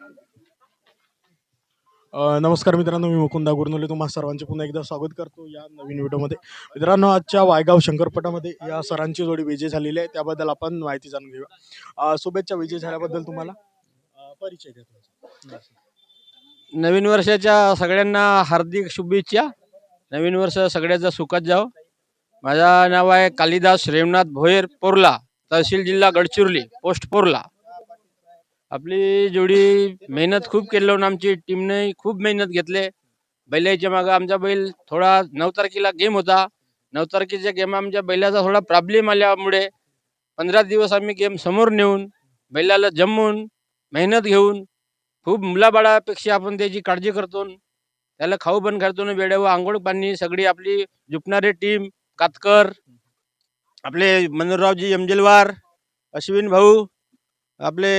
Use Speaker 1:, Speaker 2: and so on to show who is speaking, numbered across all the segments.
Speaker 1: नमस्कार मित्रांनो, मी मुकुंदा गुरनुले तुम्हा सर्वांचे पुन्हा एकदा स्वागत करतो या नवीन व्हिडिओमध्ये. मित्रांनो, आजच्या वायगाव शंकरपटामध्ये या सरांची जोडी विजय झालेली आहे, त्याबद्दल आपण माहिती जाणून घेऊया. शुभेच्छा विजय झाल्याबद्दल तुम्हाला. परिचय द्या तुमचा.
Speaker 2: नवीन वर्षाच्या सगळ्यांना हार्दिक शुभेच्छा. नवीन वर्ष सगळ्याचं सुखात जावं. माझं नाव आहे कालिदास रेवनाथ भोयर पोर्ला, तहसील जिल्हा गडचिरोली, पोस्ट पोर्ला. आपली जोडी मेहनत खूप केली लावून आमची टीमने खूप मेहनत घेतले. बैलाच्या मागं आमचा बैल थोडा 9 तारखेला गेम होता. 9 तारखेच्या गेम आमच्या बैलाचा थोडा प्रॉब्लेम आल्यामुळे 15 दिवस आम्ही गेम समोर नेऊन बैलाला जमवून मेहनत घेऊन खूप मुलाबाळापेक्षा आपण त्याची काळजी करतो. त्याला खाऊ पण घालतो, वेळेवर आंघोळ पाणी सगळी आपली झुपणारी टीम, कातकर, आपले मनोहररावजी यमजेलवार, अश्विन भाऊ, आपले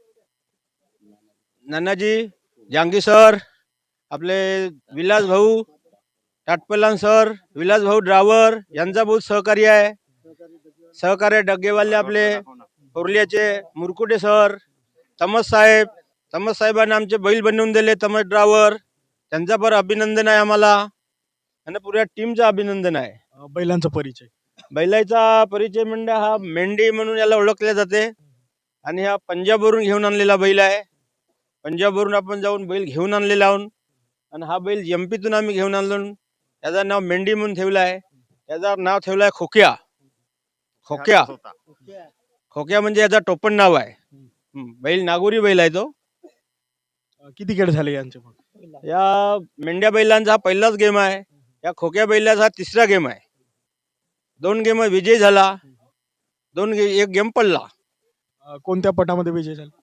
Speaker 2: नानाजी जांगी सर, आपले विलास भाऊ टाटपलान सर, विलास भाऊ ड्रायव्हर यांचा बहुत सहकार्य आहे. सहकार्य डग्गेवाले आपले पोर्ल्याचे मुरकुटे सर, तमस साहेबांना आमचे बैल बनवून दिले, तमस ड्रायव्हर, त्यांचा पण अभिनंदन आहे आम्हाला आणि पुऱ्या टीमचं अभिनंदन आहे.
Speaker 1: बैलांचा परिचय.
Speaker 2: बैलाचा परिचय म्हणजे हा मेंढी म्हणून याला ओळखले जाते आणि हा पंजाबवरून घेऊन आणलेला बैल आहे. पंजाबवरून आपण जाऊन बैल घेऊन आणलेला आहोत आणि हा बैल एमपीतून आम्ही घेऊन आणलो. त्याचं नाव मेंढी म्हणून ठेवलं आहे. त्याचं नाव ठेवलं आहे खोक्या. खोक्या खोक्या म्हणजे याचा टोपण नाव आहे. बैल नागोरी बैल आहे तो.
Speaker 1: किती खेळ झाले यांचे मग?
Speaker 2: या मेंढ्या बैलांचा हा पहिलाच गेम आहे. या खोक्या बैलाचा हा तिसरा गेम आहे. 2 गेम विजय झाला, एक गेम पडला.
Speaker 1: कोणत्या पटामध्ये विजय झाला?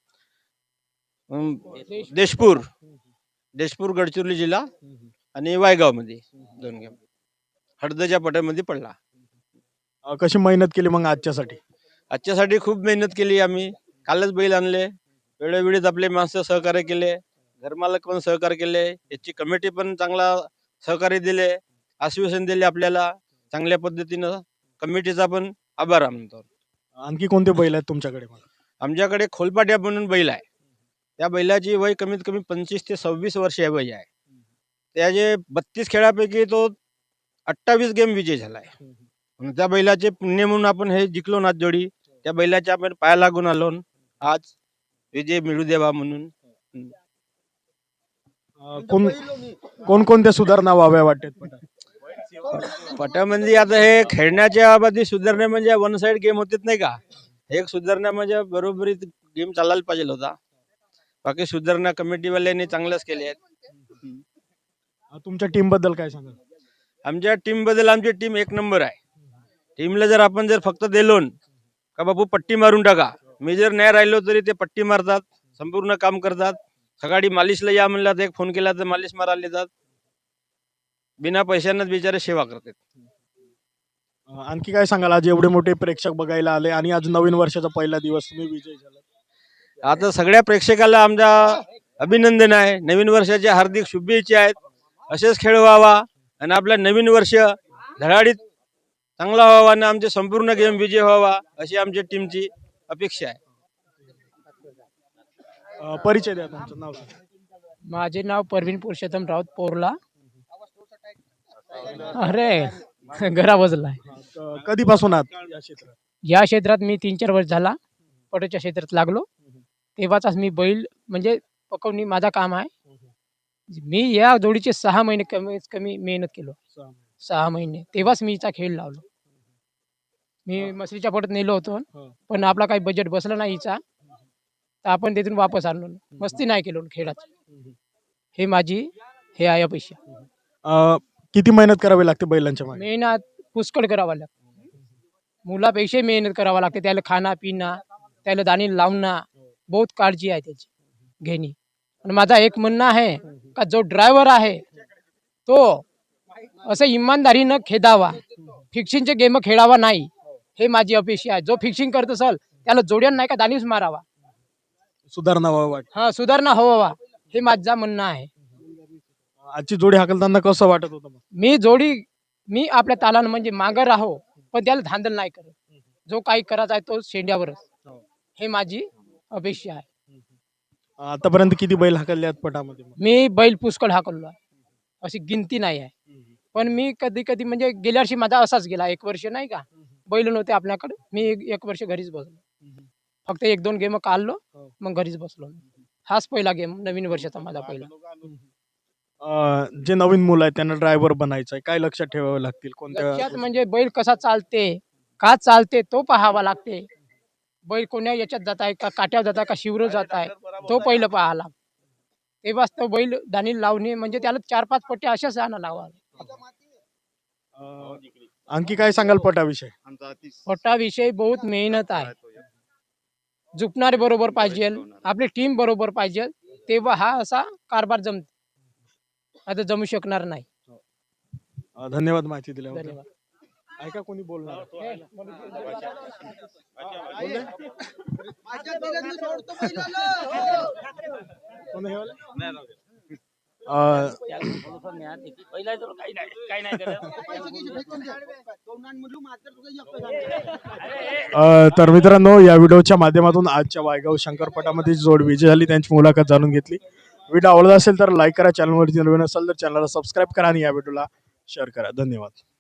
Speaker 2: देशपूर गडचिरोली जिल्हा आणि वायगाव मध्ये 2 गेम हळदच्या पटामध्ये पडला.
Speaker 1: कशी मेहनत केली मग आजच्यासाठी?
Speaker 2: खूप मेहनत केली आम्ही. कालच बैल आणले, वेळोवेळीच आपले माणसं सहकार्य केले, घरमालक पण सहकार्य केले, याची कमिटी पण चांगला सहकार्य दिले, आश्वासन दिले आपल्याला चांगल्या पद्धतीनं. कमिटीचा पण आभार मानतो.
Speaker 1: आणखी कोणते बैल आहेत तुमच्याकडे?
Speaker 2: आमच्याकडे खोलपाट्या म्हणून बैल आहे. त्या बैलाची वय कमीत कमी 25 ते 26 वर्ष वय आहे. त्याचे 32 खेळापैकी तो 28 गेम विजय झालाय. त्या बैलाचे पुण्य म्हणून आपण हे जिंकलो ना जोडी. त्या बैलाच्या आपण पाया लागून आलो, आज विजय मिळू देवा म्हणून.
Speaker 1: कोणकोणत्या सुधारणा व्हाव्या वाटतात
Speaker 2: पटामध्ये? आता हे खेळण्याच्या बाबतीत सुधारणा म्हणजे वन साइड गेम होतेच नाही का, एक सुधारणा म्हणजे बरोबरीत गेम चालायला पाहिजे होता. बाकी सुधारणा कमिटीवाल्यांनी चांगल्याच केल्या आहेत.
Speaker 1: तुमच्या टीम बद्दल काय सांगाल?
Speaker 2: आमच्या टीम बद्दल आमची टीम एक नंबर आहे. टीमला जर आपण फक्त दिलो का बाबू पट्टी मारून टाका, मी जर नाही राहिलो तरी ते पट्टी मारतात, संपूर्ण काम करतात. सकाळी मालिशला या म्हणलं तर एक फोन केला तर मालिश मारायला येतात. बिना पैशांनाच बिचारे सेवा करतात.
Speaker 1: आणखी काय सांगाल? आज एवढे मोठे प्रेक्षक बघायला आले आणि आज नवीन वर्षाचा पहिला दिवस, तुम्ही विजय झाला.
Speaker 2: आता सगळ्या प्रेक्षकाला आमचा अभिनंदन आहे. नवीन वर्षाच्या हार्दिक शुभेच्छा आहेत. असेच खेळ व्हावा आणि आपला नवीन वर्ष धडाडीत चांगला व्हावा आणि आमचे संपूर्ण गेम विजय व्हावा अशी आमच्या टीमची अपेक्षा आहे.
Speaker 1: परिचय द्या तुमचं नाव.
Speaker 3: माझे नाव परवीन पुरुषोत्तम राऊत पोर्ला. अरे घरा बसलाय.
Speaker 1: कधीपासून आहात या क्षेत्रात?
Speaker 3: या क्षेत्रात मी 3-4 वर्ष झाला पटोच्या क्षेत्रात लागलो. तेव्हाचाच मी बैल म्हणजे पकवणी माझा काम आहे. मी या जोडीचे 6 महिने कमीत कमी मेहनत केलो. 6 महिने तेव्हाच मी हिचा खेळ लावलो. मी मसरीच्या पटत नेलो होतो, पण आपला काही बजेट बसला नाही हिचा, तर आपण तिथून वापस आणलो. मस्ती नाही केलो खेळाची. हे माझी हे आहे अपेक्षा.
Speaker 1: किती मेहनत करावी लागते बैलांच्या मागे?
Speaker 3: मेहनत पुष्कळ करावा लागते. मुलापेक्षा मेहनत करावा लागते. त्याला खाना पिना, त्याला दाणी लावणं, बहुत काळजी आहे त्याची घेणी. आणि माझा एक म्हणणं आहे का जो ड्रायव्हर आहे तो असं इमानदारीनं खेदावा, फिक्सिंगचे गेम खेळावा नाही, हे माझी अपेक्षा आहे. जो फिक्सिंग करत असेल त्याला जोड्यान नाही का दाणीच मारावा.
Speaker 1: सुधारणा व्हावा.
Speaker 3: सुधारणा हवा, हे माझं म्हणणं आहे.
Speaker 1: आजची जोडी हाकलताना कसं वाटत होतं?
Speaker 3: मी आपल्या तालानं म्हणजे मागं राहो, पण त्याला धांदल नाही करत. जो काही करायचा आहे तो शेंड्यावरच, हे माझी अपेक्षा आहे.
Speaker 1: आतापर्यंत किती बैल हाकलले आहेत पटामध्ये मग?
Speaker 3: मी बैल पुष्कळ हाकललो आहे, अशी गिनती नाही आहे. पण मी कधी कधी म्हणजे गेल्या वर्षी माझा असाच गेला, 1 वर्ष नाही का बैल नव्हते आपल्याकडे, मी 1 वर्ष घरीच बसलो, फक्त 1-2 गेम काढलो, मग घरीच बसलो. हाच पहिला गेम नवीन वर्षाचा माझा पहिला.
Speaker 1: जे नवीन मुलं आहेत त्यांना ड्रायव्हर बनायचं आहे, काय लक्षात ठेवावे लागतील कोणत्या
Speaker 3: लक्षात म्हणजे बैल कसा चालते, का चालते तो पाहावा लागते. बैल कोण्या याच्यात जात आहे, का काट्यावर जात आहे, का शिवरो जात आहे, तो पहिलं पाहायला. तेव्हाच तो बैल दाणी लावणे म्हणजे त्याला 4-5 पट्ट्या अशाच आणा लावा.
Speaker 1: अं, आणखी काय सांगाल पटाविषयी?
Speaker 3: पटाविषयी बहुत मेहनत आहे. झुकणारे बरोबर पाहिजे, आपली टीम बरोबर पाहिजे, तेव्हा हा असा कारभार जमतो. आता जमू शकणार नाही.
Speaker 1: धन्यवाद माहिती दिल्याबद्दल.
Speaker 3: धन्यवाद.
Speaker 1: ऐका कोणी बोलणार? कोण हे वाले? अं, तर मित्रांनो, या व्हिडिओच्या माध्यमातून आजच्या वायगाव शंकरपटामध्ये जोड विजय झाली त्यांची मुलाखत जाणून घेतली. व्हिडिओ आवडला असेल तर लाईक करा, चॅनलवरती नवीन असेल तर चॅनलला सबस्क्राईब करा आणि या व्हिडिओला शेअर करा. धन्यवाद.